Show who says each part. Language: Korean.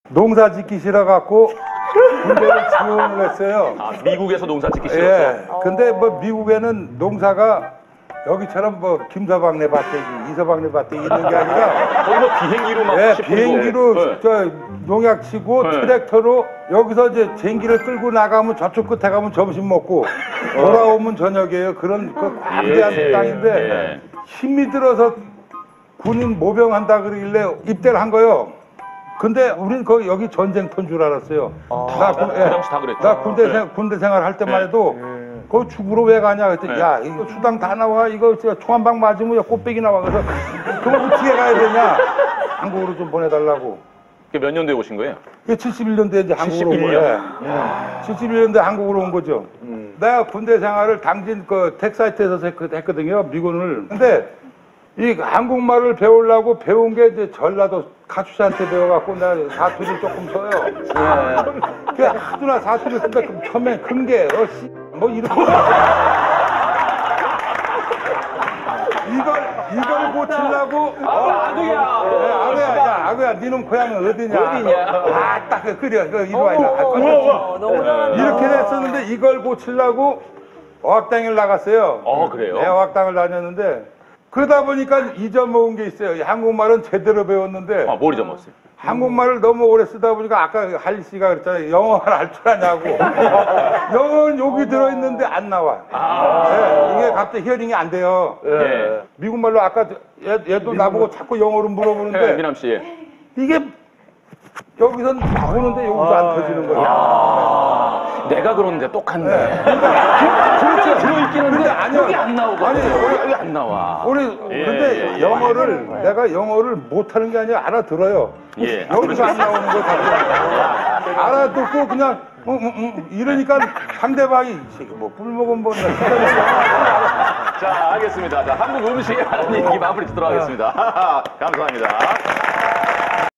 Speaker 1: 농사 짓기 싫어갖고 군대를 지원을 했어요.
Speaker 2: 아, 미국에서 농사 짓기 싫어서.
Speaker 1: 예. 근데 뭐 미국에는 농사가 여기처럼 뭐 김서방네 밭대기, 이서방네 밭대기 있는 게 아니라
Speaker 2: 거기 뭐 비행기로 막
Speaker 1: 예,
Speaker 2: 싣고
Speaker 1: 비행기로
Speaker 2: 네.
Speaker 1: 저 농약 치고
Speaker 2: 네.
Speaker 1: 트랙터로 여기서 이제 쟁기를 끌고 나가면 저쪽 끝에 가면 점심 먹고 돌아오면 저녁이에요. 그런 그 광대한
Speaker 2: 예.
Speaker 1: 땅인데
Speaker 2: 예.
Speaker 1: 힘이 들어서 군인 모병한다 그러길래 입대를 한 거요. 근데 우린 거기 여기 전쟁터인 줄 알았어요.
Speaker 2: 그 당시 다 그랬죠.
Speaker 1: 나 군대 생활 할 때만 해도 거기 죽으러 왜 가냐 그랬더니
Speaker 2: 네.
Speaker 1: 야 이거 수당 다 나와 이거 총 한 방 맞으면 꽃배기 나와 그래서 그럼 어떻게 가야 되냐 한국으로 좀 보내달라고.
Speaker 2: 그게 몇 년도에 오신 거예요?
Speaker 1: 71년도에 이제 한국으로 온
Speaker 2: 71년.
Speaker 1: 거예요. 71년도에 한국으로 온 거죠. 내가 군대 생활을 당진 그 택사이트에서 했거든요, 미군을. 근데 이 한국말을 배우려고 배운 게 이제 전라도 가추씨한테 배워갖고 나 사투리 조금 써요. 그 하도나 사투리 쓴다 그럼 처음에 큰 게 뭐 이렇게 이걸 고치려고 아구야 니놈 고향은 어디냐 아딱 그래 이리 와
Speaker 3: 너무 잘한다.
Speaker 1: 이렇게 됐었는데 이걸 고치려고 어학당을 나갔어요.
Speaker 2: 그래요?
Speaker 1: 네, 어학당을 다녔는데 그러다 보니까 잊어먹은 게 있어요. 한국말은 제대로 배웠는데
Speaker 2: 뭘 잊어먹었어요?
Speaker 1: 한국말을 너무 오래 쓰다 보니까 아까 할리 씨가 그랬잖아요. 영어를 할 줄 아냐고. 영어는 여기 들어있는데 안 나와. 네, 이게 갑자기 히어링이 안 돼요.
Speaker 2: 예.
Speaker 1: 미국말로 아까 얘도 나보고 자꾸 영어로 물어보는데
Speaker 2: 미남 씨.
Speaker 1: 이게 여기선 나오는데 여기서 안 터지는 거야.
Speaker 2: 내가 그러는데 똑같네.
Speaker 1: 그렇죠.
Speaker 2: 들어있기는
Speaker 1: 근데 아니요.
Speaker 2: 여기 안 나오거든.
Speaker 1: 아니,
Speaker 2: 여기 안 나와.
Speaker 1: 근데 영어를 내가 영어를 못하는 게 아니라 알아들어요.
Speaker 2: 예.
Speaker 1: 여기서 안 나오는 거 다 알아듣고 그냥 이러니까 상대방이 뭐 뿔먹은 번
Speaker 2: 자, 알겠습니다. 자, 한국 음식에 하는 얘기 마무리 짓도록 하겠습니다. 감사합니다.